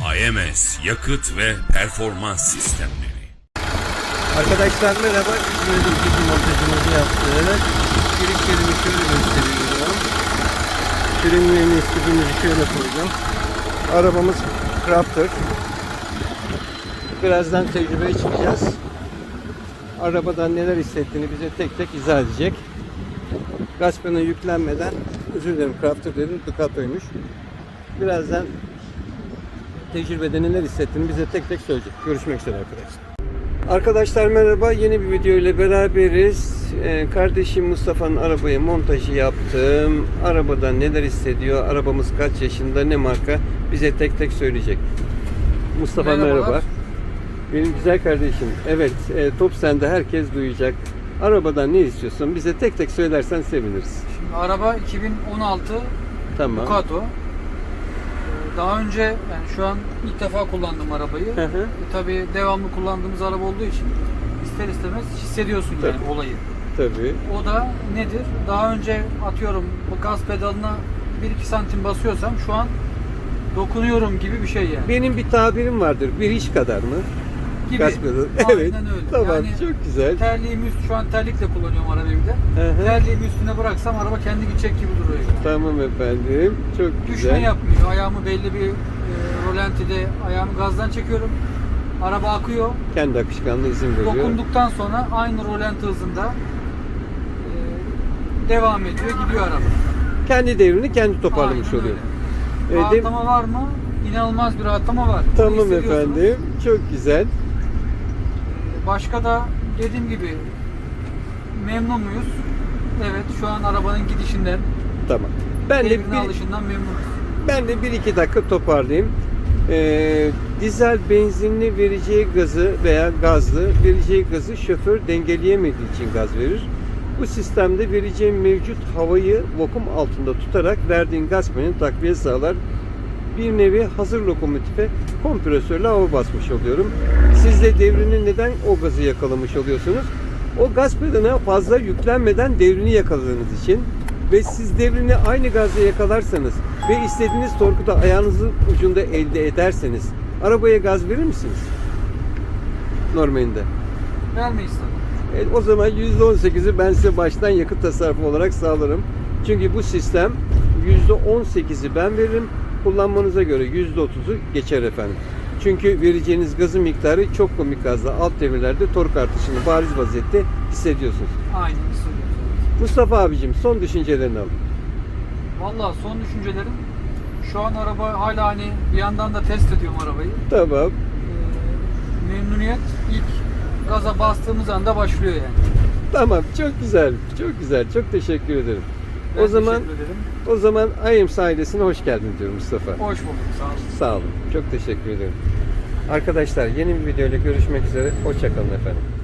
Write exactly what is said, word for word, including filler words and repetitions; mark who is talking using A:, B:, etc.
A: A M S yakıt ve performans sistemleri.
B: Arkadaşlar merhaba. Böyle bir montajımızı yaptık. Girişlerimi şöyle gösteriyorum. Frenlerini, stipimizi şöyle koydum. Arabamız Crafter. Birazdan tecrübeye çıkacağız. Arabadan neler hissettiğini bize tek tek izah edecek. Gaz pedalına yüklenmeden, özür dilerim Crafter dedim, Ducato'ymuş. Birazdan tecrübede neler hissettiğini bize tek tek söyleyecek. Görüşmek üzere arkadaşlar. Arkadaşlar merhaba. Yeni bir video ile beraberiz. Ee, kardeşim Mustafa'nın arabaya montajı yaptım. Arabadan neler hissediyor? Arabamız kaç yaşında? Ne marka? Bize tek tek söyleyecek. Mustafa merhaba. Benim güzel kardeşim. Evet, e, top sende, herkes duyacak. Arabadan ne istiyorsun? Bize tek tek söylersen seviniriz.
C: Şimdi araba iki bin on altı
B: Tamam.
C: Ducato. Daha önce, yani şu an ilk defa kullandım arabayı.
B: Hı hı.
C: E, tabii devamlı kullandığımız araba olduğu için ister istemez hissediyorsun yani
B: Tabii.
C: olayı.
B: Tabii.
C: O da nedir? Daha önce atıyorum bu gaz pedalına bir iki santim basıyorsam şu an dokunuyorum gibi bir şey yani.
B: Benim bir tabirim vardır. Bir iş kadar mı?
C: Gibi.
B: Gaz pedalı.
C: Aynen
B: Evet.
C: öyle.
B: Tamam,
C: Yani
B: çok güzel.
C: terliğimi üst, şu an terlikle kullanıyorum arabayı bir de.
B: Hı hı.
C: Terliğimi üstüne bıraksam araba kendi gidecek gibi duruyor yani.
B: Tamam efendim. Çok
C: Düşme
B: güzel.
C: yapmıyor. Ayağımı belli bir e, rolantide ayağımı gazdan çekiyorum. Araba akıyor.
B: Kendi akışkanlığı izin veriyor.
C: Dokunduktan sonra aynı rolanti hızında e, devam ediyor. Gidiyor araba.
B: Kendi devrini kendi toparlamış
C: Aynen
B: oluyor.
C: öyle.
B: Ee, de-
C: Rahatlama var mı? İnanılmaz bir rahatlama var. Bunu
B: Tamam
C: hissediyorsunuz.
B: efendim. Çok güzel.
C: E, Başka da dediğim gibi memnun muyuz? Evet, şu an arabanın gidişinden,
B: Tamam. Ben de
C: devrine
B: bir,
C: alışından memnunuz.
B: ben de bir iki dakika toparlayayım. Ee, dizel benzinli vereceği gazı veya gazlı vereceği gazı şoför dengeleyemediği için gaz verir. Bu sistemde vereceğin mevcut havayı vakum altında tutarak verdiğin gaz pedalına takviye sağlar. Bir nevi hazır lokomotife kompresörle hava basmış oluyorum. Siz de devrini neden o gazı yakalamış oluyorsunuz? O gaz pedalına fazla yüklenmeden devrini yakaladığınız için ve siz devrini aynı gazla yakalarsanız ve istediğiniz torku da ayağınızın ucunda elde ederseniz arabaya gaz verir misiniz? Normalinde.
C: Vermeyiz tabii.
B: E, o zaman yüzde on sekizi ben size baştan yakıt tasarrufu olarak sağlarım. Çünkü bu sistem yüzde on sekizi ben veririm. Kullanmanıza göre yüzde otuzu geçer efendim. Çünkü vereceğiniz gazın miktarı çok komik gazda alt devirlerde tork artışını bariz vaziyette hissediyorsunuz.
C: Aynen hissediyoruz.
B: Mustafa abicim son düşüncelerini alın.
C: Valla son düşüncelerim, şu an araba hala hani bir yandan da test ediyorum arabayı.
B: Tamam.
C: Ee, memnuniyet ilk gaza bastığımız anda başlıyor yani.
B: Tamam. Çok güzel. Çok güzel. Çok teşekkür ederim.
C: Ben
B: o zaman
C: teşekkür ederim.
B: o zaman I A M S ailesine hoş geldin diyorum Mustafa.
C: Hoş bulduk. Sağ olun.
B: Sağ olun. Çok teşekkür ederim. Arkadaşlar yeni bir video ile görüşmek üzere. Hoşça kalın efendim.